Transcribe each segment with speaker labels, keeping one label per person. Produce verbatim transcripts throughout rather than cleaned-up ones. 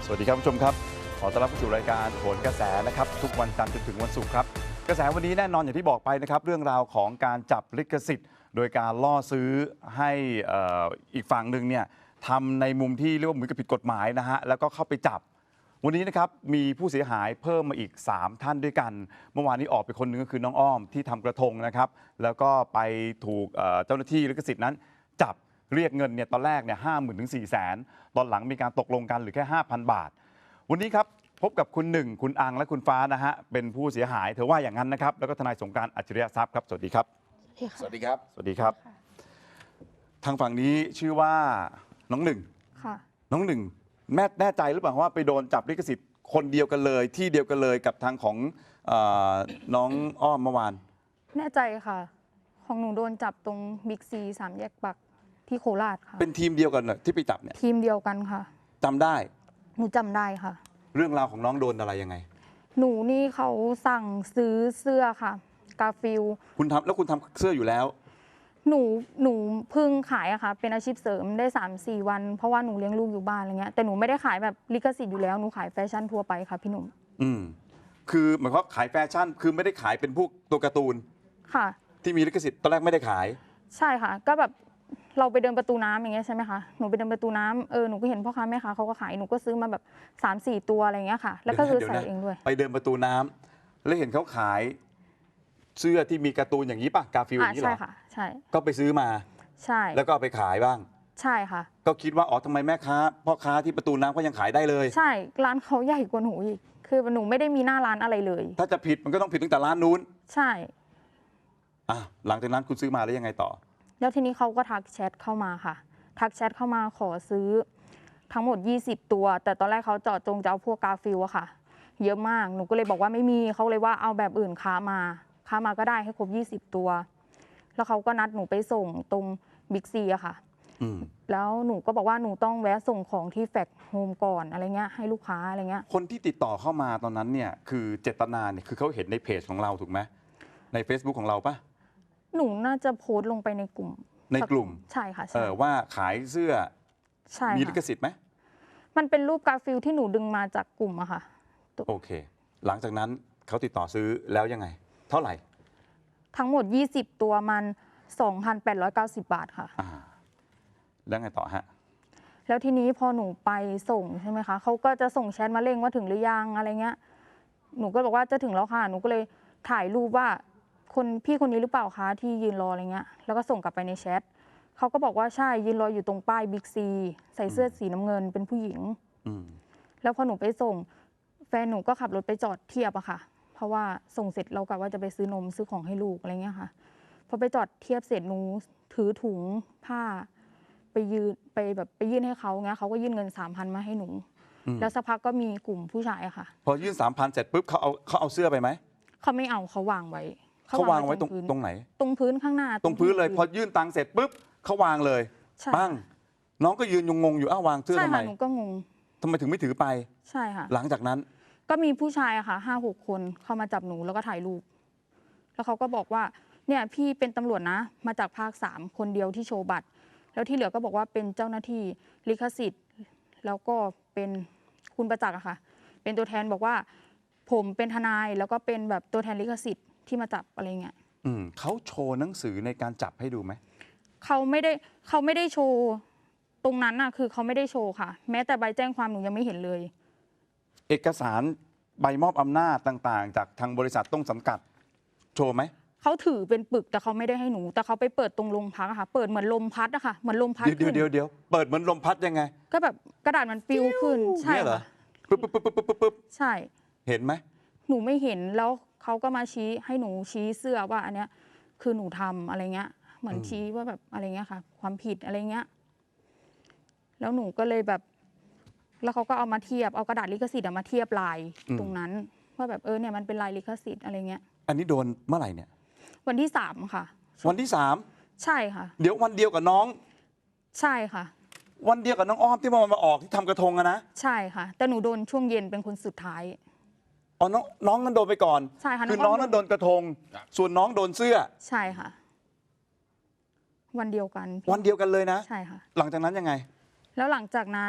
Speaker 1: สวัสดีครับผู้ชมครับขอต้อนรับเข้าสู่รายการโหนกระแสนะครับทุกวันจันทร์จนถึงวันศุกร์ครับกระแสวันนี้แน่นอนอย่างที่บอกไปนะครับเรื่องราวของการจับลิขสิทธิ์ โดยการล่อซื้อให้ออีกฝั่งหนึ่งเนี่ยทำในมุมที่เรียกว่าเหมือนกับผิดกฎหมายนะฮะแล้วก็เข้าไปจับวันนี้นะครับมีผู้เสียหายเพิ่มมาอีกสามท่านด้วยกันเมื่อวานนี้ออกไปคนหนึ่งก็คือน้องอ้อมที่ทำกระทงนะครับแล้วก็ไปถูกเจ้าหน้าที่ลิขสิทธิ์นั้นจับเรียกเงินเนี่ยตอนแรกเนี่ยห้าหมื่นถึงสี่แสนตอนหลังมีการตกลงกันเหรือแค่ห้าพันบาทวันนี้ครับพบกับคุณหนึ่งคุณอังและคุณฟ้านะฮะเป็นผู้เสียหายเธอว่าอย่างนั้นนะครับแล้วก็ทนายสงกรานต์อัจฉริยทรัพย์ครับสวัสดีครับ
Speaker 2: สวัสดีครับ
Speaker 1: สวัสดีครับทางฝั่งนี้ชื่อว่าน้องหนึ่ง
Speaker 3: ค่ะ
Speaker 1: น้องหนึ่งแม่แน่ใจหรือเปล่าว่าไปโดนจับลิขสิทธิ์คนเดียวกันเลยที่เดียวกันเลยกับทางของเออน้องอ้อมเมื่อวาน
Speaker 3: แน่ใจค่ะของหนูโดนจับตรงบิ๊กซีสามแยกปักที่โคราชค่ะ
Speaker 1: เป็นทีมเดียวกันเหรอที่ไปจับเนี่ย
Speaker 3: ทีมเดียวกันค่ะ
Speaker 1: จำได้
Speaker 3: หนูจำได้ค่ะ
Speaker 1: เรื่องราวของน้องโดนอะไรยังไง
Speaker 3: หนูนี่เขาสั่งซื้อเสื้อค่ะกาฟิล
Speaker 1: คุณทำแล้วคุณทำเสื้ออยู่แล้ว
Speaker 3: หนูหนูเพิ่งขายอะค่ะเป็นอาชีพเสริมได้ สามสี่ วันเพราะว่าหนูเลี้ยงลูกอยู่บ้านอะไรเงี้ยแต่หนูไม่ได้ขายแบบลิขสิทธิ์อยู่แล้วหนูขายแฟชั่นทั่วไปค่ะพี่หนุ่ม
Speaker 1: อืมคือหมายความขายแฟชั่นคือไม่ได้ขายเป็นพวกตัวการ์ตูน
Speaker 3: ค่ะ
Speaker 1: ที่มีลิขสิทธิ์ตอนแรกไม่ได้ขาย
Speaker 3: ใช่ค่ะก็แบบเราไปเดินประตูน้ำอย่างเงี้ยใช่ไหมคะหนูไปเดินประตูน้ำเออหนูก็เห็นพ่อค้าแม่ค้าเขาก็ขายหนูก็ซื้อมาแบบ สามสี่ ตัวอะไรเงี้ยค่ะแล้วก็คือใส่เองด้วย
Speaker 1: ไปเดินประตูน้ำแล้วเห็นเขาขายเสื้อที่มีการ์ตูนอย่างนี้ป่ะกาฟิลอย่างนี้เหรอ
Speaker 3: ใช่ค่ะใช่
Speaker 1: ก็ไปซื้อมา
Speaker 3: ใช่
Speaker 1: แล้วก็เอาไปขายบ้าง
Speaker 3: ใช่ค่ะ
Speaker 1: ก็คิดว่าอ๋อทำไมแม่ค้าพ่อค้าที่ประตูน้ำก็ยังขายได้เลย
Speaker 3: ใช่ร้านเขาใหญ่กว่าหนูอีกคือหนูไม่ได้มีหน้าร้านอะไรเลย
Speaker 1: ถ้าจะผิดมันก็ต้องผิดตั้งแต่ร้านนู้น
Speaker 3: ใช่
Speaker 1: อ่ะหลังจากนั้นคุณซื้อมาแล้วยังไงต่อ
Speaker 3: แล้วทีนี้เขาก็ทักแชทเข้ามาค่ะทักแชทเข้ามาขอซื้อทั้งหมดยี่สิบตัวแต่ตอนแรกเขาเจาะจงจะเอาพวกกาฟิลอะค่ะเยอะมากหนูก็เลยบอกว่าไม่มีเขาเลยว่าเอาแบบอื่นค้ามาค้ามาก็ได้ให้ครบยี่สิบตัวแล้วเขาก็นัดหนูไปส่งตรงบิ๊กซีอะค่ะแล้วหนูก็บอกว่าหนูต้องแวะส่งของที่แฟกโฮมก่อนอะไรเงี้ยให้ลูกค้าอะไรเงี้ย
Speaker 1: คนที่ติดต่อเข้ามาตอนนั้นเนี่ยคือเจตนาเนี่ยคือเขาเห็นในเพจของเราถูกไหมใน Facebook ของเราปะ
Speaker 3: หนูน่าจะโพสต์ลงไปในกลุ่ม
Speaker 1: ในกลุ่ม
Speaker 3: ใช่ค่ะ
Speaker 1: เออว่าขายเสื้อ
Speaker 3: ใช่
Speaker 1: มีลิขสิทธิ์ไหม
Speaker 3: มันเป็นรูปกาฟิลที่หนูดึงมาจากกลุ่มอะค่ะ
Speaker 1: โอเคหลังจากนั้นเขาติดต่อซื้อแล้วยังไงเท่าไหร่
Speaker 3: ทั้งหมดยี่สิบตัวมัน สองพันแปดร้อยเก้าสิบ บาทค่ะ
Speaker 1: อ่าแล้วไงต่อฮะ
Speaker 3: แล้วทีนี้พอหนูไปส่งใช่ไหมคะเขาก็จะส่งแชทมาเร่งว่าถึงหรือยังอะไรเงี้ยหนูก็บอกว่าจะถึงแล้วค่ะหนูก็เลยถ่ายรูปว่าคนพี่คนนี้หรือเปล่าคะที่ยืนรออะไรเงี้ยแล้วก็ส่งกลับไปในแชทเขาก็บอกว่าใช่ยืนรออยู่ตรงป้ายบิ๊กซีใส่เสื้อสีน้ำเงินเป็นผู้หญิงแล้วพอหนูไปส่งแฟนหนูก็ขับรถไปจอดเทียบอะค่ะเพราะว่าส่งเสร็จเรากะว่าจะไปซื้อนมซื้อของให้ลูกอะไรเงี้ยค่ะพอไปจอดเทียบเสร็จหนูถือถุงผ้าไปยืนไปแบบไปยื่นให้เขาเงี้ยเขาก็ยื่นเงินสามพันมาให้หนูแล้วสักพักก็มีกลุ่มผู้ชายอะค่ะ
Speaker 1: พอยื่นสามพันเสร็จปุ๊บเขาเอาเขาเอาเสื้อไปไหม
Speaker 3: เขาไม่เอาเขาวางไว้
Speaker 1: เขาวางไว้ตรงตรงไหน
Speaker 3: ตรงพื้นข้างหน้า
Speaker 1: ตรงพื้นเลยพอยื่นตังค์เสร็จปุ๊บเขาวางเลยปั้งน้องก็ยืนงงอยู่อ้าววางเสื้อทำไม
Speaker 3: หนูก็งง
Speaker 1: ทำไมถึงไม่ถือไป
Speaker 3: ใช่ค่ะ
Speaker 1: หลังจากนั้น
Speaker 3: ก็มีผู้ชายอะค่ะห้าหกคนเข้ามาจับหนูแล้วก็ถ่ายรูปแล้วเขาก็บอกว่าเนี่ยพี่เป็นตำรวจนะมาจากภาคสามคนเดียวที่โชว์บัตรแล้วที่เหลือก็บอกว่าเป็นเจ้าหน้าที่ลิขสิทธิ์แล้วก็เป็นคุณประจักษ์อะค่ะเป็นตัวแทนบอกว่าผมเป็นทนายแล้วก็เป็นแบบตัวแทนลิขสิทธิ์ที่มาจับอะไรเงี้ย
Speaker 1: อืมเขาโชว์หนังสือในการจับให้ดูไหม
Speaker 3: เขาไม่ได้เขาไม่ได้โชว์ตรงนั้นน่ะคือเขาไม่ได้โชว์ค่ะแม้แต่ใบแจ้งความหนูยังไม่เห็นเลย
Speaker 1: เอกสารใบมอบอำนาจต่างๆจากทางบริษัทต้นสังกัดโชว์ไหม
Speaker 3: เขาถือเป็นปึกแต่เขาไม่ได้ให้หนูแต่เขาไปเปิดตรงโรงพักอะค่ะเปิดเหมือนลมพัดอะค่ะเหมือนลมพัด
Speaker 1: เดี๋ยวเดี๋ยวเดี๋ยวเปิดเหมือนลมพัดยังไง
Speaker 3: ก็แบบกระดาษมันปิวขึ้นใช่เหรอ
Speaker 1: ปึ๊บปึ๊บปึ๊บปึ๊บปึ๊บ
Speaker 3: ใช่
Speaker 1: เห็นไหม
Speaker 3: หนูไม่เห็นแล้วเขาก็มาชี้ให้หนูชี้เสื้อว่าอันเนี้ยคือหนูทำอะไรเงี้ยเหมือนชี้ว่าแบบอะไรเงี้ยค่ะความผิดอะไรเงี้ยแล้วหนูก็เลยแบบแล้วเขาก็เอามาเทียบเอากระดาษลิขสิทธิ์มาเทียบลายตรงนั้นว่าแบบเออเนี่ยมันเป็นลายลิขสิทธิ์อะไรเงี้ย
Speaker 1: อันนี้โดนเมื่อไหร่เนี่ย
Speaker 3: วันที่สามค่ะ
Speaker 1: วันที่สาม
Speaker 3: ใช่ค่ะ
Speaker 1: เดี๋ยววันเดียวกับน้อง
Speaker 3: ใช่ค่ะ
Speaker 1: วันเดียวกับน้องอ้อมที่มามาออกที่ทำกระทงอะนะ
Speaker 3: ใช่ค่ะแต่หนูโดนช่วงเย็นเป็นคนสุดท้าย
Speaker 1: อ๋อน้องน้องนั้นโดนไปก่อน
Speaker 3: ใช่ค่ะ
Speaker 1: คือน้องนั้นโดนกระทงส่วนน้องโดนเสื้อ
Speaker 3: ใช่ค่ะวันเดียวกัน
Speaker 1: วันเดียวกันเลยนะ
Speaker 3: ใช่ค่ะ
Speaker 1: หลังจากนั้นยังไง
Speaker 3: แล้วหลังจากนั้น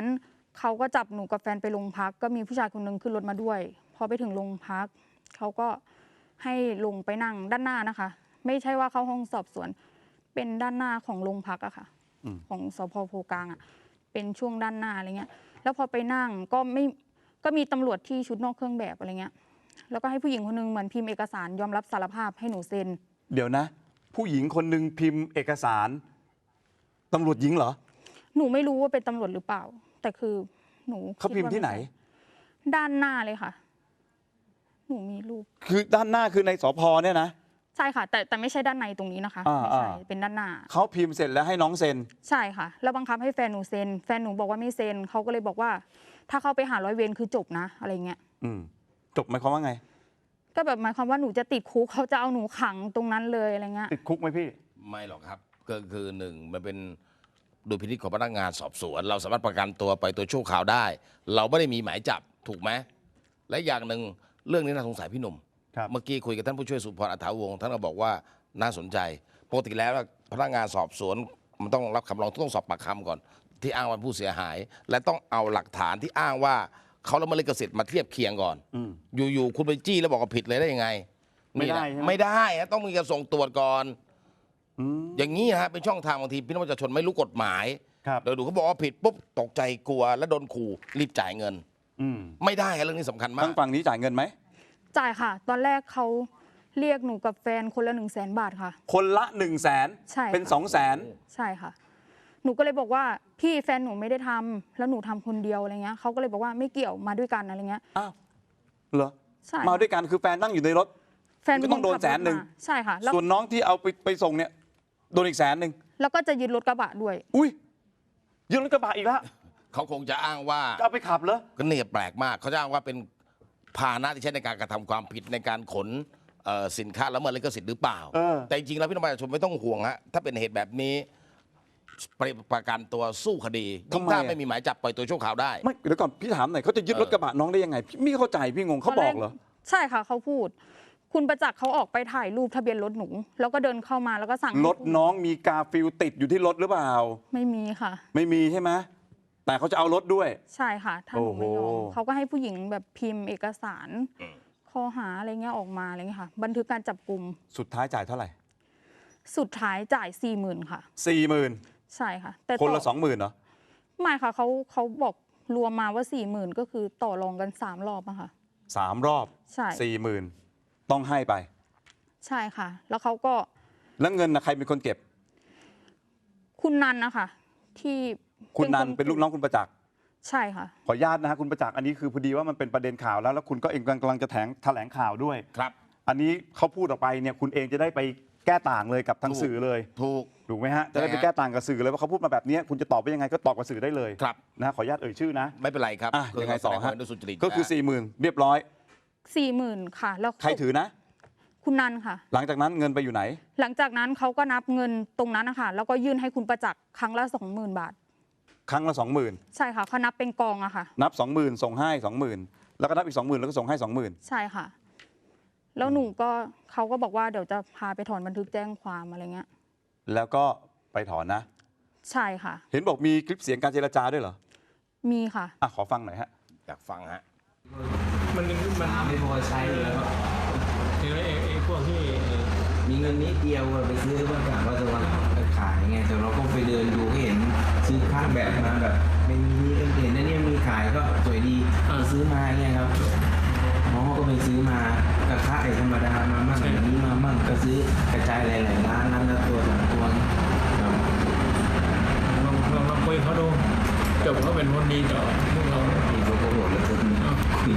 Speaker 3: เขาก็จับหนูกับแฟนไปโรงพักก็มีผู้ชายคนหนึงขึ้นรถมาด้วยพอไปถึงโรงพักเขาก็ให้ลงไปนั่งด้านหน้านะคะ ไม่ใช่ว่าเข้าห้องสอบสวนเป็นด้านหน้าของโรงพักอะค่ะ
Speaker 1: อืม
Speaker 3: ของสพโพกลางอะเป็นช่วงด้านหน้าอะไรเงี้ยแล้วพอไปนั่งก็ไม่ก็มีตำรวจที่ชุดนอกเครื่องแบบอะไรเงี้ยแล้วก็ให้ผู้หญิงคนหนึงเหมือนพิมพ์เอกสารยอมรับสารภาพให้หนูเซ็น
Speaker 1: เดี๋ยวนะ ผู้หญิงคนหนึ่งพิมพ์เอกสารตำรวจหญิงเหรอ
Speaker 3: หนูไม่รู้ว่าเป็นตำรวจหรือเปล่า แต่คือหนู
Speaker 1: เขาพิมพ์ที่ไหน
Speaker 3: ด้านหน้าเลยค่ะ หนูมีรูป
Speaker 1: คือด้านหน้าคือในสพเนี่ยนะ
Speaker 3: ใช่ค่ะ แต่แต่ไม่ใช่ด้านในตรงนี้นะคะ
Speaker 1: อ่า
Speaker 3: ไม่ใช่
Speaker 1: อ่า
Speaker 3: เป็นด้านหน้า
Speaker 1: เขาพิมพ์เสร็จแล้วให้น้องเซ็น
Speaker 3: ใช่ค่ะ แล้วบังคับให้แฟนหนูเซ็นแฟนหนูบอกว่าไม่เซ็นเขาก็เลยบอกว่า ถ้าเขาไปหาร้อยเวรคือจบนะอะไรเงี้ย
Speaker 1: อืมจบหมายความว่าไง
Speaker 3: ก็แบบหมายความว่าหนูจะติดคุกเขาจะเอาหนูขังตรงนั้นเลยอะไรเงี้ย
Speaker 1: ติดคุกไหมพี่
Speaker 2: ไม่หรอกครับก็คือหนึ่งมันเป็นดุลพินิจของพนักงานสอบสวน เราสามารถประกันตัวไปตัวชั่วคราวได้ เราไม่ได้มีหมายจับถูกไหมและอย่างหนึ่งเรื่องนี้น่าสงสัยพี่หนุ่ม
Speaker 1: ครับ
Speaker 2: เมื่อกี้คุยกับท่านผู้ช่วยสุพรอัฐาวงศ์ท่านก็บอกว่าน่าสนใจปกติแล้วพนักงานสอบสวนมันต้องรับคำร้องต้องสอบปากคำก่อน ที่อ้างว่าผู้เสียหาย และต้องเอาหลักฐานที่อ้างว่าเขาละเมิดลิขสิทธิ์มาเทียบเคียงก่อน
Speaker 1: อืม
Speaker 2: อยู่ๆคุณไปจี้แล้วบอกว่าผิดเลยได้ยังไง
Speaker 1: ไม่ได้
Speaker 2: นี่แหละ
Speaker 1: ใช่ไหม
Speaker 2: ไม่ได้ฮะต้องมีการส่งตรวจก่อน
Speaker 1: อืม
Speaker 2: อย่างนี้นะฮะเป็นช่องทางบางทีพี่น้องประชาชนไม่รู้กฎหมาย
Speaker 1: ครับ
Speaker 2: เดี๋ยวดูเขาบอกว่าผิดปุ๊บตกใจกลัวแล้วโดนขู่รีบจ่ายเงิน
Speaker 1: อืม
Speaker 2: ไม่ได้ฮะเรื่องนี้สำคัญมา
Speaker 1: ทาก งฝั่งนี้จ่ายเงินไหม
Speaker 3: จ่ายค่ะ ตอนแรกเขาเรียกหนูกับแฟนคนละหนึ่งแสนบาทค่ะ
Speaker 1: คนละหนึ่งแสน
Speaker 3: ใช่
Speaker 1: เป็น
Speaker 3: ค่ะ
Speaker 1: สองแสน
Speaker 3: ใช่ค่ะ หนูก็เลยบอกว่าพี่แฟนหนูไม่ได้ทำแล้วหนูทำคนเดียวอะไรเงี้ยเขาก็เลยบอกว่าไม่เกี่ยวมาด้วยกันอะไรเงี้ย
Speaker 1: อ้าวเหรอ
Speaker 3: ใช่
Speaker 1: มาด้วยกันคือแฟนนั่งอยู่ในรถ
Speaker 3: แฟนเป็
Speaker 1: ก็ต้องโดน
Speaker 3: คขับรถ
Speaker 1: แสนหนึ่ง
Speaker 3: มาใช่ค่ะแล้ว
Speaker 1: ส่วนน้องที่เอาไปไปส่งเนี่ยโดนอีกแสนหนึ่ง
Speaker 3: แล้วก็จะยึดรถกระบะด้วย
Speaker 1: อุ้ยยึดรถกระบะอีกแล้ว
Speaker 2: เขาคงจะอ้างว่า
Speaker 1: จะเอาไปขับเหรอ
Speaker 2: ก็เนี่ยแปลกมากเขาจะอ้างว่าเป็นพาหนะที่ใช้ในการกระทำความผิดในการขนเอ่อสินค้าละเมิดลิขสิทธิ์หรือเปล่า
Speaker 1: เออ
Speaker 2: แต่จริงๆแล้วพี่น้องประชาชนไม่ต้องห่วงฮะถ้าเป็นเหตุแบบนี้ประประกันตัวสู้คดียิ่งถ้าไม่มีหมายจับปล่อยตัวชั่วคราวได้
Speaker 1: ไม่เดี๋ยวก่อนพี่ถามหน่อยเขาจะยึดรถกระบะน้องได้ยังไงพี่ไม่เข้าใจพี่งงเขาบอกเหรอ
Speaker 3: ใช่ค่ะเขาพูด คุณประจักษ์เขาออกไปถ่ายรูปทะเบียนรถหนู แล้วก็เดินเข้ามาแล้วก็สั่งให้
Speaker 1: รถน้องมีกาฟิลติดอยู่ที่รถหรือเปล่า
Speaker 3: ไม่มีค่ะ
Speaker 1: ไม่มีใช่ไหมแต่เขาจะเอารถด้วย
Speaker 3: ใช่ค่ะ ถ้าหนูไม่ยอ
Speaker 1: โอ้
Speaker 3: ม
Speaker 1: โห
Speaker 3: เขาก็ให้ผู้หญิงแบบพิมพ์เอกสารข้อหาอะไรเงี้ยออกมาอะไรเงี้ยค่ะ บันทึกการจับกลุ่ม
Speaker 1: สุดท้ายจ่ายเท่าไหร่
Speaker 3: สุดท้ายจ่ายสี่หมื่นค่ะ
Speaker 1: สี่หมื่น
Speaker 3: ใช่ค่ะ แต่
Speaker 1: คนละ
Speaker 3: ต่
Speaker 1: สองหมื่นเหรอ
Speaker 3: ไม่ค่ะเขาเขาบอกรวมมาว่าสี่หมื่นก็คือต่อรองกันสามรอบอะค่ะ
Speaker 1: สามรอบ
Speaker 3: ใช่
Speaker 1: สี่หมื่นต้องให้ไป
Speaker 3: ใช่ค่ะ แล้วเขาก็
Speaker 1: แล้วเงินนะใครเป็นคนเก็บ
Speaker 3: คุณนันนะคะที่
Speaker 1: คุณนัน
Speaker 3: ค
Speaker 1: เป็นลูกน้องคุณประจักษ์
Speaker 3: ใช่ค่ะ
Speaker 1: ขออนุญาตนะฮะคุณประจักษ์อันนี้คือพอดีว่ามันเป็นประเด็นข่าวแล้วแล้วคุณก็เองกำลังจะแถลงแถลงข่าวด้วย
Speaker 2: ครับ
Speaker 1: อันนี้เขาพูดออกไปเนี่ยคุณเองจะได้ไปแก้ต่างเลยกับทาง
Speaker 2: ถูก
Speaker 1: สื่อเลย
Speaker 2: ถูก
Speaker 1: ถูกไหมฮะจะได้ไป
Speaker 2: ใช่ฮะ
Speaker 1: แก้ต่างกับสื่อเลยว่าเขาพูดมาแบบนี้คุณจะตอบไปยังไงก็ตอบกับสื่อได้เลย
Speaker 2: ครับ
Speaker 1: นะฮะขออนุญาตเอ่ยชื่อนะ
Speaker 2: ไม่เป็นไรครับ
Speaker 1: อ่ะยังไงต่อฮะ
Speaker 2: แสดความเห็นโดยสุจริต
Speaker 1: ก็คือ
Speaker 2: นะ
Speaker 1: สี่หมื่นเรียบร้อย
Speaker 3: สี่หมื่นค่ะ แล้ว
Speaker 1: ใครถือนะ
Speaker 3: คุณนันค่ะ
Speaker 1: หลังจากนั้นเงินไปอยู่ไหน
Speaker 3: หลังจากนั้นเขาก็นับเงินตรงนั้นนะคะแล้วก็ยื่นให้คุณประจักษ์ครั้งละสองหมื่นบาท
Speaker 1: ครั้งละสองหมื่น
Speaker 3: ใช่ค่ะเขานับเป็นกองอะค่ะ
Speaker 1: นับสองหมื่นส่งให้สองหมื่นแล้วก็นับอีกสองหมื่นแล้วก็ส่งให้สองหมื่น
Speaker 3: ใช่ค่ะ แล้วหนูก็เขาก็บอกว่าเดี๋ยวจะพาไปถอนบันทึกแจ้งความอะไรเงี้ย
Speaker 1: แล้วก็ไปถอนนะ
Speaker 3: ใช่ค่ะ
Speaker 1: เห็นบอกมีคลิปเสียงการเจรจาด้วยเหรอ
Speaker 3: มีค่ะ
Speaker 1: อ่ะขอฟังหน่อยฮะ
Speaker 2: อยากฟังฮะ
Speaker 4: มันมัน
Speaker 5: ไม่พอใช้อยู่แล้วครับ
Speaker 4: คือไอ้ไอ้พวกที่
Speaker 5: มีเงินนิดเดียวอะไปซื้อมากะว่าจะมาขายไง แต่เราก็ไปเดินดูก็เห็นซื้อข้างแบบมาแบบไม่มีเห็นนะเนี่ยมีขายก็สวยดีก็ซื้อมาเงี้ยครับน้องเขาก็ไปซื้อมากระทะไอ้ธรรมดามามั่งอย่างนี้มามั่งก็ซื้อกระจายหลายๆร้านร้านละตัวสองตัวครับ
Speaker 4: ลองลองลองคุยเขาดูจบเขาเป็นคนดีต่อพวกเรา
Speaker 5: นี่เขาก็โหดเลยคนนี้คุย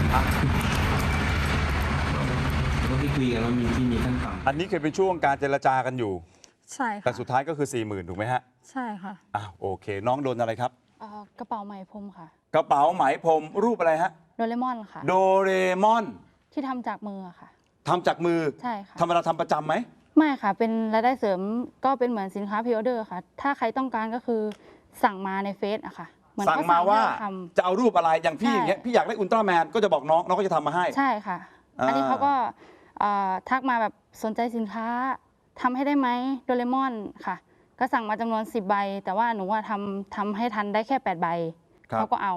Speaker 5: ก็ที่คุยกันว่ามีที่มีขั้นต่ำ
Speaker 1: อันนี้เคยเป็นช่วงการเจรจากันอยู่
Speaker 3: ใช่
Speaker 1: แต่
Speaker 3: ค่ะ
Speaker 1: สุดท้ายก็คือสี่หมื่นถูกไหมฮะ
Speaker 3: ใช่ค่ะ
Speaker 1: อ้าวโอเค น้องโดนอะไรครับ
Speaker 6: เอ่อกระเป๋าไหมพรมค่ะ
Speaker 1: กระเป๋าไหมพรมรูปอะไรฮะ
Speaker 6: โดเรมอนค่ะ
Speaker 1: โดเรมอน
Speaker 6: ที่ทำจากมือค่ะ
Speaker 1: ทำจากมือ
Speaker 6: ใช่ค่ะ
Speaker 1: ธรรมดาทำประจำไหม
Speaker 6: ไม่ค่ะ เป็นรายได้เสริมก็เป็นเหมือนสินค้าพรีออเดอร์ค่ะ ถ้าใครต้องการก็คือสั่งมาในเฟซอะค่ะเหมือน
Speaker 1: สั่ง
Speaker 6: เขา
Speaker 1: มาว่า
Speaker 6: ให้เรท
Speaker 1: จะเอารูปอะไรอย่างพี่
Speaker 6: ใช่
Speaker 1: อย่างเงี้ยพี่อยากได้อุลตร้าแมนก็จะบอกน้องน้องก็จะทำมาให้
Speaker 6: ำใช่ค่ะ
Speaker 1: อ่า
Speaker 6: อันนี้เขาก็เอ่อทักมาแบบสนใจสินค้าทำให้ได้ไหมโดเรมอนค่ะ ก็สั่งมาจำนวนสิบใบ แต่ว่าหนูว่าทำทำให้ทันได้แค่แปดใบ
Speaker 1: ครับ
Speaker 6: เขาก็เอา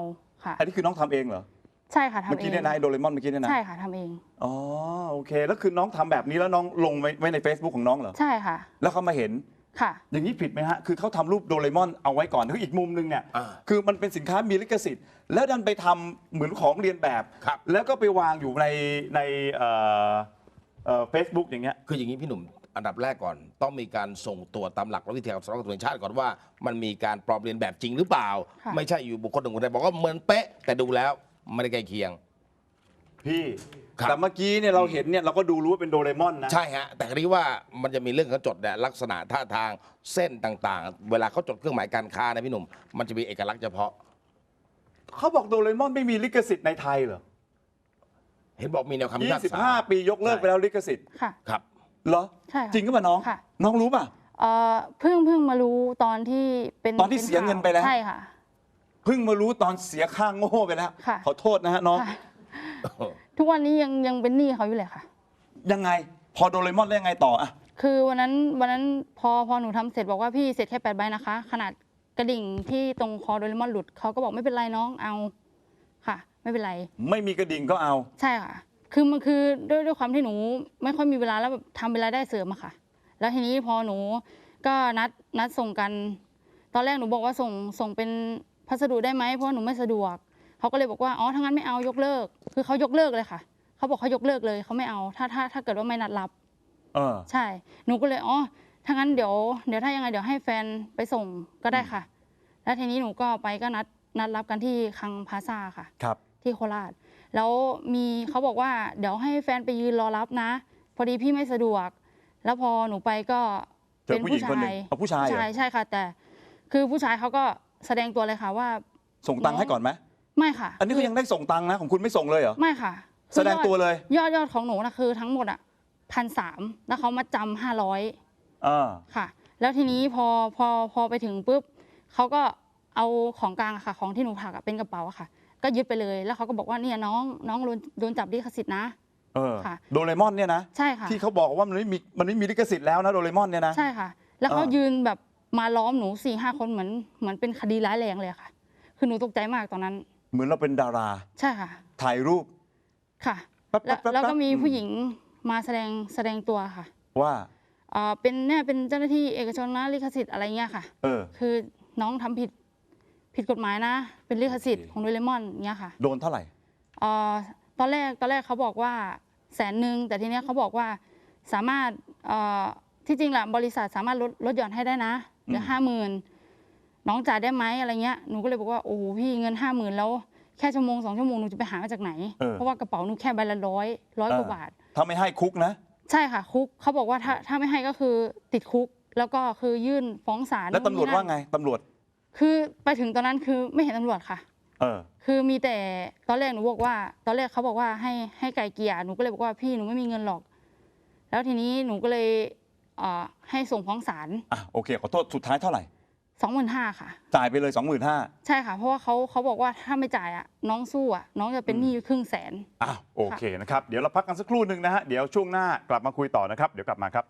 Speaker 6: ค่ะ
Speaker 1: อันนี้คือน้องทำเองเหรอ
Speaker 6: ใช่ค่ะทำเอง
Speaker 1: เมื่อกี้เนี่ยนะไอ้โดเรมอนเมื่อกี้เนี่ยนะ
Speaker 6: ใช่ค่ะทำเอง
Speaker 1: อ๋อโอเคแล้วคือน้องทำแบบนี้แล้วน้องลงไว้ไว้ใน Facebook ของน้องเหรอ
Speaker 6: ใช่ค่ะ
Speaker 1: แล้วเขามาเห็น
Speaker 6: ค่ะ
Speaker 1: อย่างนี้ผิดไหมฮะ คือเขาทำรูปโดเรมอนเอาไว้ก่อนคืออีกมุมนึงเนี่ย
Speaker 2: อ่า
Speaker 1: คือมันเป็นสินค้ามีลิขสิทธิ์ แล้วดันไปทำเหมือนของเรียนแบบ
Speaker 2: ครับ
Speaker 1: แล้วก็ไปวางอยู่ในในเอ่อเอ่อเฟซบุ๊กอย่างเงี้ย
Speaker 2: คืออย่างนี้พี่หนุ่มอันดับแรกก่อน ต้องมีการส่งตรวจตามหลักและวิทยาศาสตร์สำนักงานตำรวจแห่งชาติก่อนว่ามันมีการปลอมเลียนแบบจริงหรือเปล่า
Speaker 6: ค่ะ
Speaker 2: ไม่ใช่อยู่บุคคลหนึ่งคนใดบอกว่าเหมือนเป๊ะ แต่ดูแล้วไม่ได้ใกล้เคียง
Speaker 1: พี่
Speaker 2: ครับ
Speaker 1: แต่เมื่อกี้เนี่ยเราเห็นเนี่ยเราก็ดูรู้ว่าเป็นโดเรมอนนะ
Speaker 2: ใช่ฮะ แต่คราวนี้ว่ามันจะมีเรื่องเขาจดเนี่ยลักษณะท่าทางเส้นต่างๆ เวลาเขาจดเครื่องหมายการค้านะพี่หนุ่มมันจะมีเอกลักษณ์เฉพาะ
Speaker 1: เขาบอกโดเรมอนไม่มีลิขสิทธิ์ในไทยเหรอ
Speaker 2: เห็นบอกมีแนวคำพิ
Speaker 1: ยี่
Speaker 2: พาก
Speaker 1: สิบ
Speaker 2: ษา
Speaker 1: ห้าปียกเลิกไปแล้วลิขสิทธิ์
Speaker 6: ค่ะ
Speaker 2: ครับ
Speaker 1: เหรอ
Speaker 6: ใช่ค่ะ
Speaker 1: จริงก็ป่ะน้อง
Speaker 6: ค่ะ
Speaker 1: น้องรู้ป่ะ
Speaker 6: เอ่อเพิ่งเพิ่งมารู้ตอนที่เป็น
Speaker 1: ตอนที่
Speaker 6: ป็
Speaker 1: เสียเงินไปแล้ว
Speaker 6: ใช่ค่ะ
Speaker 1: เพิ่งมารู้ตอนเสียค่างโง่ไปแล้ว
Speaker 6: ค่ะ
Speaker 1: ขอโทษนะฮะน้อง
Speaker 6: ค่ะ ทุกวันนี้ยังยังเป็นหนี้เขาอยู่เลยค่ะ
Speaker 1: ยังไง พอโดเรมอนแล้วยังไงต่ออะ
Speaker 6: คือวันนั้นวันนั้นพอพอหนูทำเสร็จบอกว่าพี่เสร็จแค่แปดใบนะคะ ขนาดกระดิ่งที่ตรงคอโดเรมอนหลุดเขาก็บอกไม่เป็นไรน้องเอาค่ะ ไม่เป็นไร
Speaker 1: ไม่มีกระดิ่งก็เอา
Speaker 6: ใช่ค่ะ คือมันคือด้วยด้วยความที่หนูไม่ค่อยมีเวลาแล้วแบบทำเวลาได้เสริมอะค่ะ แล้วทีนี้พอหนูก็นัดนัดส่งกัน ตอนแรกหนูบอกว่าส่งส่งเป็นพัสดุได้ไหมเพราะว่าหนูไม่สะดวกเขาก็เลยบอกว่าอ๋อถ้างั้นไม่เอายกเลิก คือเขายกเลิกเลยค่ะเขาบอกเขายกเลิกเลยเขาไม่เอาถ้าถ้าถ้าเกิดว่าไม่นัดรับ
Speaker 1: เออ
Speaker 6: ใช่ หนูก็เลยอ๋อถ้างั้นเดี๋ยวเดี๋ยวถ้ายังไงเดี๋ยวให้แฟนไปส่งก็ได้ค่ะ แล้วทีนี้หนูก็ไปก็นัดนัดรับกันที่คลังพลาซ่าค่ะ
Speaker 1: ครับ
Speaker 6: ที่โคราช แล้วมีเขาบอกว่าเดี๋ยวให้แฟนไปยืนรอรับนะ พอดีพี่ไม่สะดวก แล้วพอหนูไปก็
Speaker 1: เจอผู้หญิงคนหนึ่งเอาผู้ชายเหรอ
Speaker 6: ใช่ใช่ค่ะ แต่คือผู้ชายเขาก็แสดงตัวเลยค่ะว่า
Speaker 1: ส่งตังค์ให้ก่อนไหม
Speaker 6: ไม่ค่ะ
Speaker 1: อันนี้ก็ยังได้ส่งตังค์นะของคุณไม่ส่งเลยเหรอ
Speaker 6: ไม่ค่ะ
Speaker 1: แสดงตัวเลย
Speaker 6: ยอดยอดของหนูนะคือทั้งหมดอ่ะพันสามแล้วเขามาจำห้าร้อย
Speaker 1: เออ
Speaker 6: ค่ะ แล้วทีนี้พอพอพอไปถึงปุ๊บเขาก็เอาของกลางอะค่ะ ของที่หนูผลักอะเป็นกระเป๋าอะค่ะ ก็ยึดไปเลยแล้วเขาก็บอกว่าเนี่ยน้องน้องโดนโดนจับลิขสิทธิ์นะ
Speaker 1: เออ
Speaker 6: ค่ะ
Speaker 1: โดเรมอนเนี่ยนะ
Speaker 6: ใช่ค่ะ
Speaker 1: ที่เขาบอกว่ามันไม่มีมันไม่มีลิขสิทธิ์แล้วนะโดเรมอนเนี่ยนะ
Speaker 6: ใช่ค่ะ แล้วเขา
Speaker 1: อ่ายื
Speaker 6: ยืนแบบมาล้อมหนูสี่ห้าคนเหมือนเหมือนเป็นคดีร้ายแรงเลยอะค่ะ คือหนูตกใจมากตอนนั้น
Speaker 1: เหมือนเราเป็นดารา
Speaker 6: ใช่ค่ะ
Speaker 1: ถ่ายรูป
Speaker 6: ค่ะ
Speaker 1: แป๊บ
Speaker 6: แล้ว
Speaker 1: แป๊บ
Speaker 6: แล้วก็
Speaker 1: แป๊บ
Speaker 6: มี
Speaker 1: อืม
Speaker 6: ผู้หญิงมาแสดงแสดงตัวค่ะ
Speaker 1: ว่า
Speaker 6: เอ่อเป็นเนี่ยเป็นเจ้าหน้าที่เอกชนนะลิขสิทธิ์อะไรเงี้ยค่ะ
Speaker 1: เออ
Speaker 6: คือน้องทำผิดผิดกฎหมายนะ เป็นลิขสิทธิ์ของโดเรมอนเงี้ยค่ะ
Speaker 1: โดนเท่าไหร่
Speaker 6: เอ่อตอนแรกตอนแรกเขาบอกว่าแสนหนึ่งแต่ทีเนี้ยเขาบอกว่าสามารถเอ่อที่จริงแหละบริษัทสามารถลดลดหย่อนให้ได้นะเหลือ
Speaker 1: อืม
Speaker 6: ห้าหมื่นน้องจ่ายได้ไหมอะไรเงี้ยหนูก็เลยบอกว่าโอ้โหพี่เงินห้าหมื่นแล้วแค่ชั่วโมงสองชั่วโมงหนูจะไปหามาจากไหน
Speaker 1: เออ
Speaker 6: เพราะว่ากระเป๋าหนูแค่ใบละร้อยร้อยกว่าบาท
Speaker 1: ถ้าไม่ให้คุกนะ
Speaker 6: ใช่ค่ะคุกเขาบอกว่าถ้าถ้าไม่ให้ก็คือติดคุก แล้วก็คือยื่นฟ้องศาล
Speaker 1: แล้วตำรวจ
Speaker 6: นู่นนี่
Speaker 1: ว่า
Speaker 6: นั่น
Speaker 1: ไงตำรวจ
Speaker 6: คือไปถึงตอนนั้นคือไม่เห็นตำรวจค่ะ
Speaker 1: เออ
Speaker 6: คือมีแต่ตอนแรกหนูบอกว่า ตอนแรกเขาบอกว่าให้ให้ไก่เกลี่ยหนูก็เลยบอกว่าพี่หนูไม่มีเงินหรอก แล้วทีนี้หนูก็เลยเอ่อให้ส่งฟ้องศาล
Speaker 1: อ่ะโอเคขอโทษสุดท้ายเท่าไหร่
Speaker 6: สองหมื่นห้าค่ะ
Speaker 1: จ่ายไปเลย สองหมื่นห้าพัน
Speaker 6: ใช่ค่ะ เพราะว่าเขาเขาบอกว่าถ้าไม่จ่ายอ่ะน้องสู้อ่ะน้องจะเป็นหนี้ครึ่งแสน
Speaker 1: อ่ะโอเคนะครับ เดี๋ยวเราพักกันสักครู่หนึ่งนะฮะ เดี๋ยวช่วงหน้ากลับมาคุยต่อนะครับ เดี๋ยวกลับมาครับ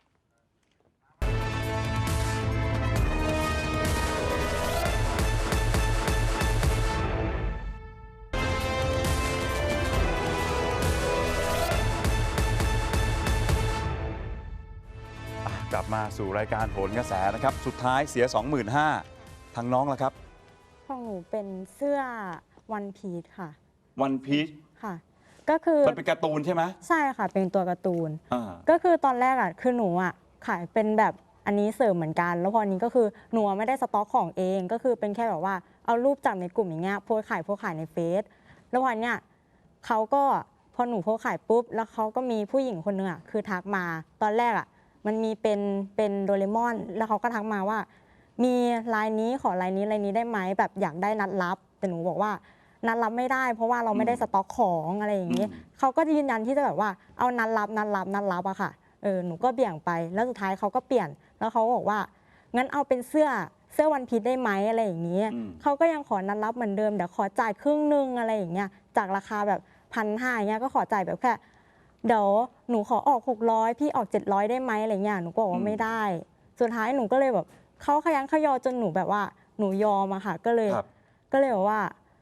Speaker 1: กลับมาสู่รายการโหนกระแสนะครับ สุดท้ายเสีย สองหมื่นห้าพัน ทางน้องละครับ
Speaker 7: ของหนูเป็นเสื้อวันพีชค่ะ
Speaker 1: วันพีช
Speaker 7: ค่ะ ก็คือ
Speaker 1: มันเป็นการ์ตูนใช่ไหม
Speaker 7: ใช่ค่ะเป็นตัวการ์ตูน
Speaker 1: อ่า
Speaker 7: ก็คือตอนแรกอ่ะคือหนูอ่ะขายเป็นแบบอันนี้เสริมเหมือนกัน แล้วพอนี้ก็คือหนูไม่ได้สต็อกของเองก็คือเป็นแค่แบบว่าเอารูปจากในกลุ่มอย่างเงี้ยโพสต์ขายโพสต์ขายในเฟซแล้ววันเนี้ยเขาก็พอหนูโพสต์ขายปุ๊บแล้วเขาก็มีผู้หญิงคนหนึงอ่ะคือทักมาตอนแรกอ่ะมันมีเป็นเป็นโดเรมอนแล้วเขาก็ทักมาว่า มีลายนี้ขอลายนี้ลายนี้ได้ไหมแบบอยากได้นัดรับแต่หนูบอกว่านัดรับไม่ได้ เพราะว่าเราไม่ได้สต็อกของอะไรอย่างนี้
Speaker 1: อืม
Speaker 7: เขาก็ยืนยันที่จะแบบว่าเอานัดรับนัดรับนัดรับอะค่ะเออหนูก็เบี่ยงไปแล้วสุดท้ายเขาก็เปลี่ยนแล้วเขาบอกว่างั้นเอาเป็นเสื้อเสื้อวันพีชได้ไหมอะไรอย่างนี้
Speaker 1: อืม
Speaker 7: เขาก็ยังขอนัดรับเหมือนเดิมเดี๋ยวขอจ่ายครึ่งหนึงอะไรอย่างเงี้ยจากราคาแบบพันห้าอย่างเงี้ยก็ขอจ่ายแบบแค่เดี๋ยวหนูขอออกหกร้อยพี่ออกเจ็ดร้อยได้ไหมอะไรเงี้ยหนูก็บอกว่าไม่ได้ สุดท้ายหนูก็เลยแบบเขาขยันขยอจนหนูแบบว่าหนูยอมอะค่ะก็เลย
Speaker 1: ครับ
Speaker 7: ก็เลยบอกว่า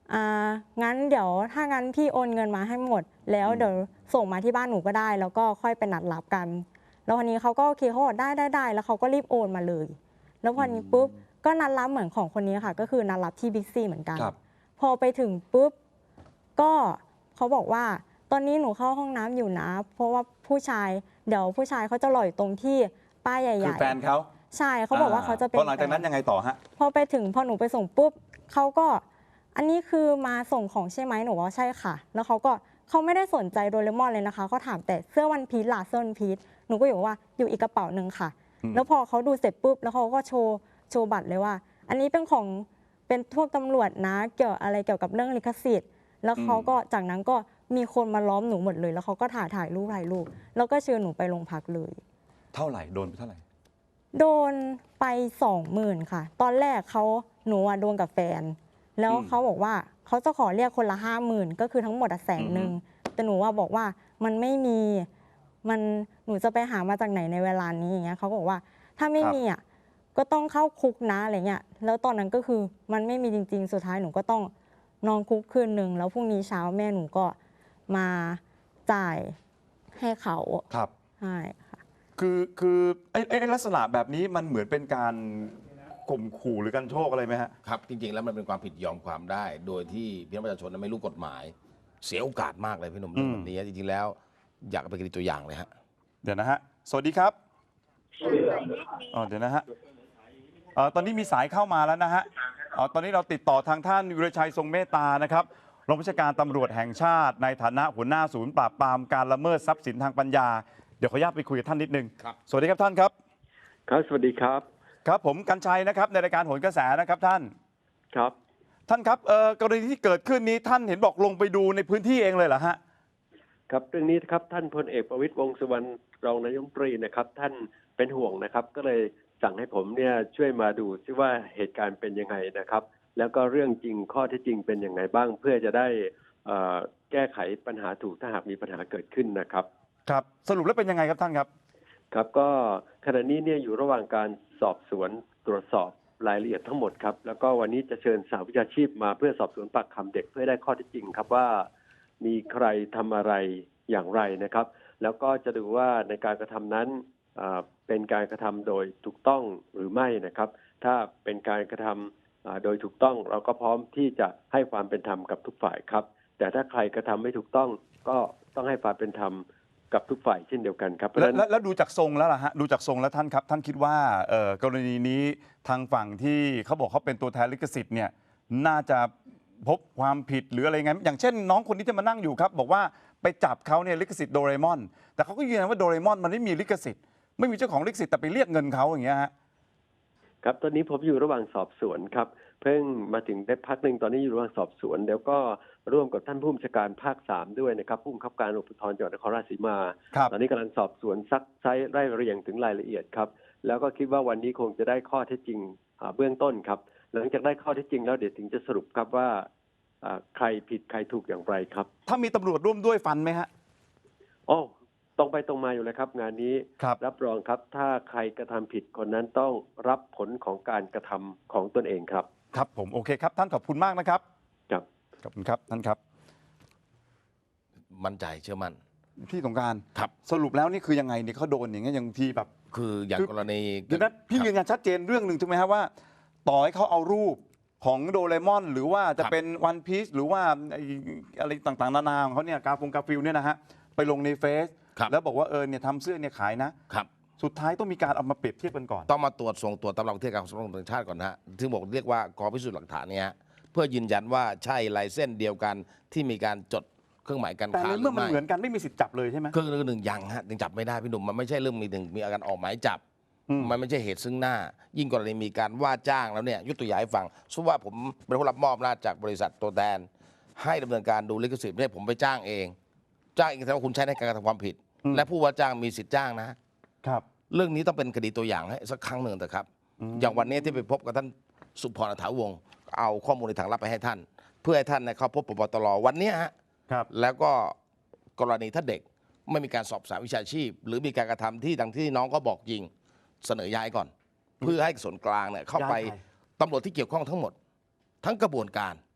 Speaker 7: อ่างั้นเดี๋ยวถ้างั้นพี่โอนเงินมาให้หมด แล้วเดี๋ยวส่งมาที่บ้านหนูก็ได้ แล้วก็ค่อยไปนัดรับกัน แล้ววันนี้เขาก็โอเคเขาบอกได้ได้ได้แล้วเขาก็รีบโอนมาเลย แล้วพอนี้ปุ๊บก็นัดรับเหมือนของคนนี้ค่ะ ก็คือนัดรับที่บิ๊กซีเหมือนกัน
Speaker 1: ครับ
Speaker 7: พอไปถึงปุ๊บก็เขาบอกว่าตอนนี้หนูเข้าห้องน้ำอยู่นะ เพราะว่าผู้ชายเดี๋ยวผู้ชายเขาจะรออยู่ตรงที่ป้ายให
Speaker 1: คื
Speaker 7: ญ่
Speaker 1: อแฟนเขา
Speaker 7: ๆใช่เขาบอกว่าเขาจะเป็น
Speaker 1: พอหลังจากนั้นยังไงต่อฮะ
Speaker 7: พอไปถึงพอหนูไปส่งปุ๊บเขาก็อันนี้คือมาส่งของใช่ไหมหนูว่าใช่ค่ะ แล้วเขาก็เขาไม่ได้สนใจโดเรมอนเลยนะคะเขาถามแต่เสื้อวันพีชล่ะเสื้อวันพีชหนูก็อยู่ว่าอยู่อีกกระเป๋าหนึ่งค่ะ
Speaker 1: อืม
Speaker 7: แล้วพอเขาดูเสร็จปุ๊บแล้วเขาก็โชว์โชว์บัตรเลยว่า อันนี้เป็นของเป็นพวกตำรวจนะเกี่ยวอะไรเกี่ยวกับเรื่องลิขสิทธิ์แล้วเขาก็จากนั้นก็มีคนมาล้อมหนูหมดเลย แล้วเขาก็ถ่ายถ่ายรูปถ่ายรูปแล้วก็เชิญหนูไปโรงพักเลย
Speaker 1: เท่าไหร่โดนไปเท่าไหร่
Speaker 7: โดนไปสองหมื่นค่ะ ตอนแรกเขาหนูอะโดนกับแฟน แล้ว
Speaker 1: อืม
Speaker 7: เขาบอกว่าเขาจะขอเรียกคนละห้าหมื่นก็คือทั้งหมดอะแสนหนึ่งแต่หนูว่าบอกว่ามันไม่มีมันหนูจะไปหามาจากไหนในเวลานี้อย่างเงี้ยเขาก็บอกว่าถ้าไม่มีอ่ะก็ต้องเข้าคุกนะอะไรเงี้ยแล้วตอนนั้นก็คือมันไม่มีจริงๆสุดท้ายหนูก็ต้องนอนคุกคืนหนึ่งแล้วพรุ่งนี้เช้าแม่หนูก็มาจ่ายให้เขา
Speaker 1: ครับ
Speaker 7: ใช่ค่ะ
Speaker 1: คือคือไอ้ไอ้ไอ้ลักษณะแบบนี้มันเหมือนเป็นการข่มขู่หรือการโชคอะไรไหมฮะ
Speaker 2: ครับจริงๆแล้วมันเป็นความผิดยอมความได้ โดยที่พี่น้องประชาชนไม่รู้กฎหมาย เสียโอกาสมากเลยพี่หนุ่มเรื่องแบบนี้จริงๆแล้วอยากเอาไปเป็นตัวอย่างเลยฮะ
Speaker 1: เดี๋ยวนะฮะ สวัสดีครับอ๋อเดี๋ยวนะฮะเอ่อตอนนี้มีสายเข้ามาแล้วนะฮะเอ่อตอนนี้เราติดต่อทางท่านวิรชัยทรงเมตตานะครับรองผู้บัญชาการตำรวจแห่งชาติ ในฐานะหัวหน้าศูนย์ปราบปรามการละเมิดทรัพย์สินทางปัญญา เดี๋ยวขออนุญาตไปคุยกับท่านนิดนึง
Speaker 2: ครับ
Speaker 1: สวัสดีครับท่านครับ
Speaker 8: ครับสวัสดีครับ
Speaker 1: ครับผมกัญชัยนะครับในรายการโหนกระแสนะครับท่าน
Speaker 8: ครับ
Speaker 1: ท่านครับเอ่อกรณีที่เกิดขึ้นนี้ท่านเห็นบอกลงไปดูในพื้นที่เองเลยเหรอฮะ
Speaker 8: ครับเรื่องนี้นะครับท่านพลเอกประวิตรวงษ์สุวรรณรองนายกรัฐมนตรีนะครับท่านเป็นห่วงนะครับ ก็เลยสั่งให้ผมเนี่ยช่วยมาดูซิว่าเหตุการณ์เป็นยังไงนะครับ แล้วก็เรื่องจริงข้อเท็จจริงเป็นยังไงบ้าง เพื่อจะได้เอ่อแก้ไขปัญหาถูกถ้าหากมีปัญหาเกิดขึ้นนะครับ
Speaker 1: ครับสรุปแล้วเป็นยังไงครับท่านครับ
Speaker 8: ครับก็ขณะนี้เนี่ยอยู่ระหว่างการสอบสวนตรวจสอบรายละเอียดทั้งหมดครับแล้วก็วันนี้จะเชิญสหวิชาชีพมาเพื่อสอบสวนปากคำเด็กเพื่อได้ข้อเท็จจริงครับว่ามีใครทำอะไรอย่างไรนะครับ แล้วก็จะดูว่าในการกระทำนั้นเอ่อเป็นการกระทำโดยถูกต้องหรือไม่นะครับ ถ้าเป็นการกระทำเอ่อโดยถูกต้องเราก็พร้อมที่จะให้ความเป็นธรรมกับทุกฝ่ายครับ แต่ถ้าใครกระทำไม่ถูกต้องก็ต้องให้ความเป็นธรรมกับทุกฝ่ายเช่นเดียวกันครับเพราะฉะ
Speaker 1: แล้ว
Speaker 8: นั้น
Speaker 1: แล้วแล้วดูจากทรงแล้วล่ะฮะดูจากทรงแล้วท่านครับ ท่านคิดว่าเอ่อกรณีนี้ทางฝั่งที่เขาบอกเขาเป็นตัวแทนลิขสิทธิ์เนี่ยน่าจะพบความผิดหรืออะไรไงอย่างเช่น น้องคนนี้ที่มานั่งอยู่ครับ บอกว่าไปจับเขาเนี่ยลิขสิทธิ์โดเรมอนแต่เขาก็ยืนยันว่าโดเรมอนมันไม่มีลิขสิทธิ์ไม่มีเจ้าของลิขสิทธิ์แต่ไปเรียกเงินเขาอย่างเงี้ยฮะ
Speaker 8: ครับตอนนี้ผมอยู่ระหว่างสอบสวนครับเพิ่งมาถึงได้พักหนึ่งตอนนี้อยู่ระหว่างสอบสวนเดี๋ยวก็ร่วมกับท่านผู้บัญชาการภาคสามด้วยนะครับผู้บังคับการตำรวจภูธรจังหวัดนครราชสีมา
Speaker 1: ครับ
Speaker 8: ตอนนี้กำลังสอบสวนซักไซไล่เรียงถึงรายละเอียดครับแล้วก็คิดว่าวันนี้คงจะได้ข้อเท็จจริงอ่าเบื้องต้นครับหลังจากได้ข้อเท็จจริงแล้วเดี๋ยวถึงจะสรุปครับว่าอ่าใครผิดใครถูกอย่างไรครับ
Speaker 1: ถ้ามีตำรวจร่วมด้วยฟันไหมฮะ
Speaker 8: โอ้ตรงไปตรงมาอยู่เลยครับ งานนี้
Speaker 1: ครับ
Speaker 8: รับรองครับถ้าใครกระทำผิดคนนั้นต้องรับผลของการกระทำของตนเองครับ
Speaker 1: ครับผมโอเคครับท่านขอบคุณมากนะครับ
Speaker 8: ครับ
Speaker 1: ขอบคุณครับท่านครับ
Speaker 2: มั่นใจเชื่อมั่น
Speaker 1: พี่สงกราร
Speaker 2: ครับ
Speaker 1: สรุปแล้วนี่คือยังไงเนี่ยเขาโดนอย่างเงี้ยอย่างทีแบบ
Speaker 2: คืออย่าง
Speaker 1: คือ
Speaker 2: กรณี
Speaker 1: เดี๋ยวนะพี่
Speaker 2: ครับ
Speaker 1: ยืนยันชัดเจนเรื่องหนึ่งถูกไหมครับว่า ต่อให้เขาเอารูปของโดเรมอน หรือว่าจะเป็นวันพีซหรือว่าไอ้อะไรต่างๆนานาของเขาเนี่ยกาฟงกาฟิลเนี่ยนะฮะไปลงในเฟซ
Speaker 2: ครับ
Speaker 1: แล้วบอกว่าเออเนี่ยทำเสื้อเนี่ยขายนะ
Speaker 2: ครับ
Speaker 1: สุดท้ายต้องมีการเอามาเปรียบเทียบกันก่อน
Speaker 2: ต้องมาตรวจส่งตรวจตามหลักวิทยาการของสำนักงานตำรวจแห่งชาติก่อนนะฮะซึ่งบอกเรียกว่ากองพิสูจน์หลักฐานเนี่ยฮะเพื่อยืนยันว่าใช่ลายเส้นเดียวกันที่มีการจดเครื่องหมายการ
Speaker 1: แต่
Speaker 2: ค้า
Speaker 1: ใน
Speaker 2: หรื
Speaker 1: เมื่อ
Speaker 2: อ
Speaker 1: มัน
Speaker 2: ไม่
Speaker 1: เหมือนกันไม่มีสิทธิ์จับเลยใช่ไหม
Speaker 2: เครื่องหนึ่งยังฮะยังจับไม่ได้พี่หนุ่มมันไม่ใช่เรื่องมีถึงมีอาการออกหมายจับ
Speaker 1: อืม
Speaker 2: มันไม่ใช่เหตุซึ่งหน้า ยิ่งกรณีมีการว่าจ้างแล้วเนี่ยยกตัวอย่างให้ฟังสมมติว่าผมเป็นผู้รับมอบอำนาจจากบริษัทตัวแทนให้ดำเนินการดูลิขสิทธิ์เนี่ยผมไปจ้างเอง จ้างเองแสดงว่าคุณใช้ในการกระทำความผิด และผู้ว่าจ้างมีสิทธิ์จ้างนะ
Speaker 1: ครับ
Speaker 2: เรื่องนี้ต้องเป็นคดีตัวอย่างให้สักครั้งหนึ่งแต่ครับ อย่างวันนี้ที่ไปพบกับท่านสุพรอัฐาวงศ์เอาข้อมูลในทางลับไปให้ท่าน เพื่อให้ท่านเนี่ยเข้าพบปปตรวันนี้ฮะ
Speaker 1: ครับ
Speaker 2: แล้วก็กรณีถ้าเด็กไม่มีการสอบสานวิชาชีพ หรือมีการกระทำที่ดังที่น้องก็บอกยิงเสนอย้ายก่อน เพื่อให้ส่วนกลางเนี่ยเข้าไป
Speaker 1: ย้ายใคร
Speaker 2: ตำรวจที่เกี่ยวข้องทั้งหมด ทั้งกระบวนการ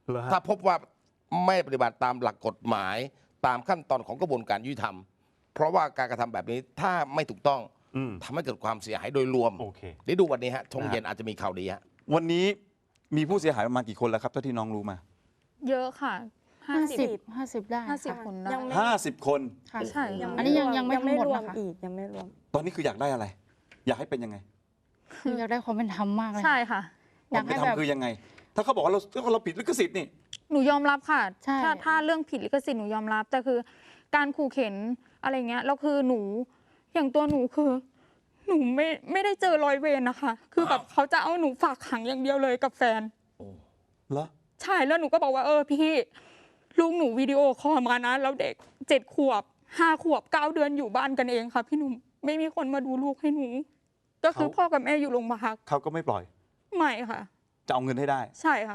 Speaker 1: เหรอฮะ
Speaker 2: ถ้าพบว่าไม่ปฏิบัติตามหลักกฎหมาย ตามขั้นตอนของกระบวนการยุติธรรม เพราะว่าการกระทำแบบนี้ถ้าไม่ถูกต้อง
Speaker 1: อืม
Speaker 2: ทำให้เกิดความเสียหายโดยรวม
Speaker 1: โอเค
Speaker 2: เดี๋ยวดูวันนี้ฮะชง
Speaker 1: นะฮะ
Speaker 2: เย็นอาจจะมีข่าวดีฮะ
Speaker 1: วันนี้มีผู้เสียหายประมาณกี่คนแล้วครับเท่าที่น้องรู้มา
Speaker 3: เยอะค่ะห้า
Speaker 6: ห้า
Speaker 3: สิ
Speaker 6: สิ
Speaker 3: บบ
Speaker 6: ห้าสิบได้
Speaker 3: ห้าสิบ
Speaker 6: ค่ะ
Speaker 3: คนได้
Speaker 7: ยังไม่
Speaker 1: ห้าสิบคน
Speaker 6: ค่ะ
Speaker 3: ใช่ค่ะ
Speaker 6: อันนี้ยังยังไม่
Speaker 7: ยังไม่
Speaker 6: ทั้งหมด
Speaker 7: รวม
Speaker 6: นะคะ
Speaker 7: อีกยังไม่รวม
Speaker 1: ตอนนี้คืออยากได้อะไร อยากให้เป็นยังไง
Speaker 6: คืออยากได้ความเป็นธรรมมากเลย
Speaker 3: ใช่ค่ะ
Speaker 6: อยากให้
Speaker 1: ควม
Speaker 6: แบ
Speaker 1: เป็นธรร
Speaker 6: บ
Speaker 1: มคือยังไง ถ้าเขาบอกว่าเราเราผิดลิขสิทธิ์นี่
Speaker 3: หนูยอมรับค่ะ
Speaker 6: ใช่
Speaker 3: ถ้าถ้าเรื่องผิดลิขสิทธิ์หนูยอมรับ แต่คือการขู่เข็นอะไรเงี้ยแล้วคือหนู อย่างตัวหนูคือ หนูไม่ไม่ได้เจอรอยเวรนะคะ คือแบบเขาจะเอาหนูฝากขังอย่างเดียวเลยกับแฟน
Speaker 1: เหรอ
Speaker 3: ใช่แล้วหนูก็บอกว่าเออพี่ลูกหนูวิดีโอคอลมานะแล้วเด็กเจ็ดขวบห้าขวบเก้าเดือนอยู่บ้านกันเองค่ะพี่หนุ่มไม่มีคนมาดูลูกให้หนู ก็คือ
Speaker 1: เขา
Speaker 3: พ่อกับแม่อยู่โรงพยาบาล
Speaker 1: เขาก็ไม่ปล่อย
Speaker 3: ไม่ค่ะ
Speaker 1: จะเอาเงินให้ได้
Speaker 3: ใช่ค่ะ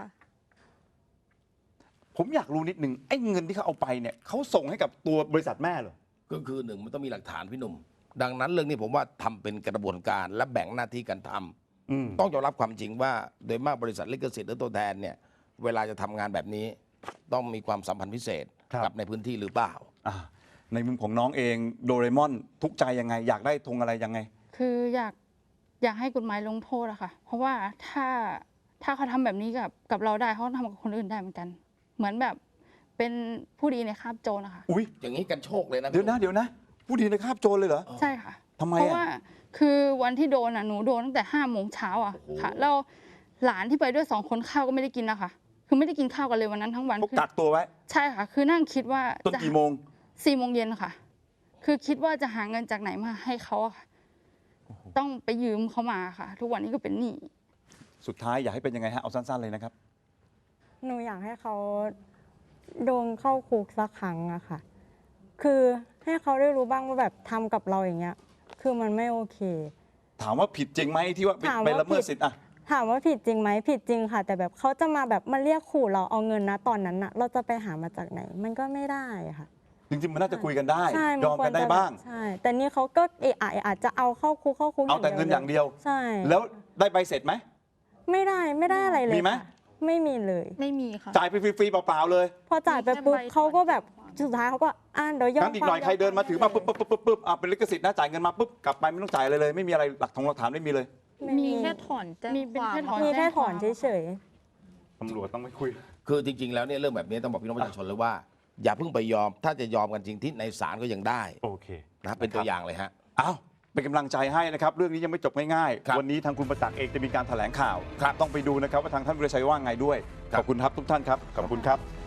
Speaker 1: ผมอยากรู้นิดนึงไอ้เงินที่เขาเอาไปเนี่ยเขาส่งให้กับตัวบริษัทแม่เหรอ
Speaker 2: ก็คือหนึ่งมันต้องมีหลักฐานพี่หนุ่ม ดังนั้นเรื่องนี้ผมว่าทำเป็นกระบวนการและแบ่งหน้าที่กันทำ
Speaker 1: อืม
Speaker 2: ต้องยอมรับความจริงว่าโดยมากบริษัทลิขสิทธิ์หรือตัวแทนเนี่ยเวลาจะทำงานแบบนี้ ต้องมีความสัมพันธ์พิเศษ
Speaker 1: ครับ
Speaker 2: กับในพื้นที่หรือเปล่า
Speaker 1: อ่าในมุมของน้องเองโดเรมอนทุกข์ใจยังไง อยากได้ธงอะไรยังไง
Speaker 6: คืออยากอยากให้กฎหมายลงโทษอะค่ะ เพราะว่าถ้าถ้าเขาทำแบบนี้กับกับเราได้เขาทำกับคนอื่นได้เหมือนกัน เหมือนแบบเป็นผู้ดีในคาบโจรนะคะ
Speaker 1: อุ้ย
Speaker 2: อย่างนี้กันโชคเลยนะ
Speaker 1: เดี๋ยวนะเดี๋ยวนะ ผู้ดีในคาบโจรเลยเหรอ
Speaker 6: ใช่ค่ะ
Speaker 1: ทำไม
Speaker 6: เพราะ
Speaker 1: อ่ะ
Speaker 6: ว่าคือวันที่โดนอ่ะหนูโดนตั้งแต่ห้าโมงเช้าอ่ะค่ะแล้วหลานที่ไปด้วยสองคนข้าวก็ไม่ได้กินนะคะคือไม่ได้กินข้าวกันเลยวันนั้นทั้งวัน
Speaker 1: เขา
Speaker 6: คือ
Speaker 1: กักตัวไว้
Speaker 6: ใช่ค่ะ คือนั่งคิดว่า
Speaker 1: ต้น
Speaker 6: จะ
Speaker 1: กี่โมง
Speaker 6: สี่โมงเย็นค่ะ คือคิดว่าจะหาเงินจากไหนมาให้เขาอะค่ะ ต้องไปยืมเขามาค่ะ ทุกวันนี้ก็เป็นหนี้
Speaker 1: สุดท้ายอยากให้เป็นยังไงฮะเอาสั้นๆเลยนะครับ
Speaker 7: หนูอยากให้เขาโดนเข้าคุกสักครั้งอะค่ะ คือให้เขาได้รู้บ้างว่าแบบทำกับเราอย่างเงี้ย คือมันไม่โอเค
Speaker 1: ถามว่าผิดจริงไหมที่ว่าไป
Speaker 7: ถามว่า
Speaker 1: ไปละเมิด
Speaker 7: ผิด
Speaker 1: สิทธิ์อ่ะ
Speaker 7: ถามว่าผิดจริงไหมผิดจริงค่ะ แต่แบบเขาจะมาแบบมาเรียกขู่เราเอาเงินนะตอนนั้นอะเราจะไปหามาจากไหน มันก็ไม่ได้อะค่ะ
Speaker 1: จริงๆมันน่าจะคุยกันได้
Speaker 7: ใช่
Speaker 1: ยอมกันได้
Speaker 7: ควรจะ
Speaker 1: บ้าง
Speaker 7: ใช่ แต่นี่เขาก็เอะอะเอะอะจะเอาเข้าคุกเข้าคุก
Speaker 1: เอาแต่เงินอย่างเดียว
Speaker 7: ใช่
Speaker 1: แล้วได้ใบเสร็จไหม
Speaker 7: ไม่ได้ไม่ได้อะไรเลย
Speaker 1: มีไหม
Speaker 7: ค่ะไม่มีเลย
Speaker 3: ไม่มีค่ะ
Speaker 1: จ่ายไปฟรีๆเปล่าๆเลย
Speaker 7: พอจ่ายไปปุ๊บ
Speaker 3: มีแค่ใบ
Speaker 7: เขาก็แบบสุดท้ายเขาก็อ่านเดี๋ยวยอม
Speaker 1: งั้นอีกหน่อยใครเดินมาถือมาปุ๊บปุ๊บปุ๊บปุ๊บปุ๊บอ่ะเป็นลิขสิทธิ์นะจ่ายเงินมาปุ๊บกลับไปไม่ต้องจ่ายอะไรเลย ไม่มีอะไรหลักฐานหลักฐานไม่มีเลย
Speaker 7: ไม่
Speaker 3: มีแค่ถอนแจ้ง
Speaker 6: มีเป็น
Speaker 3: ความ
Speaker 6: แค่ถอน
Speaker 7: มีแค่ถอนเฉย
Speaker 1: ตำรวจต้องไม่คุย
Speaker 2: คือจริง ๆ แล้วเนี่ยเรื่องแบบนี้ต้องบอกพี่น้องประชาชนเลยว่า อย่าเพิ่งไปยอม ถ้าจะยอมกันจริงที่ในศาลก็ยังได้
Speaker 1: โอเค
Speaker 2: นะเป็นตัวอย่างเลยฮะ
Speaker 1: อ้าวเป็นกำลังใจให้นะครับ เรื่องนี้ยังไม่จบง่าย
Speaker 2: ครับ
Speaker 1: ๆ วันนี้ทางคุณประจักษ์เองจะมีการแถลงข่าว
Speaker 2: ครับ
Speaker 1: ต้องไปดูนะครับว่าทางท่านวิรชัยว่าไงด้วย
Speaker 2: ครับ
Speaker 1: ขอบคุณครับทุกท่านครับ ขอบคุณครับ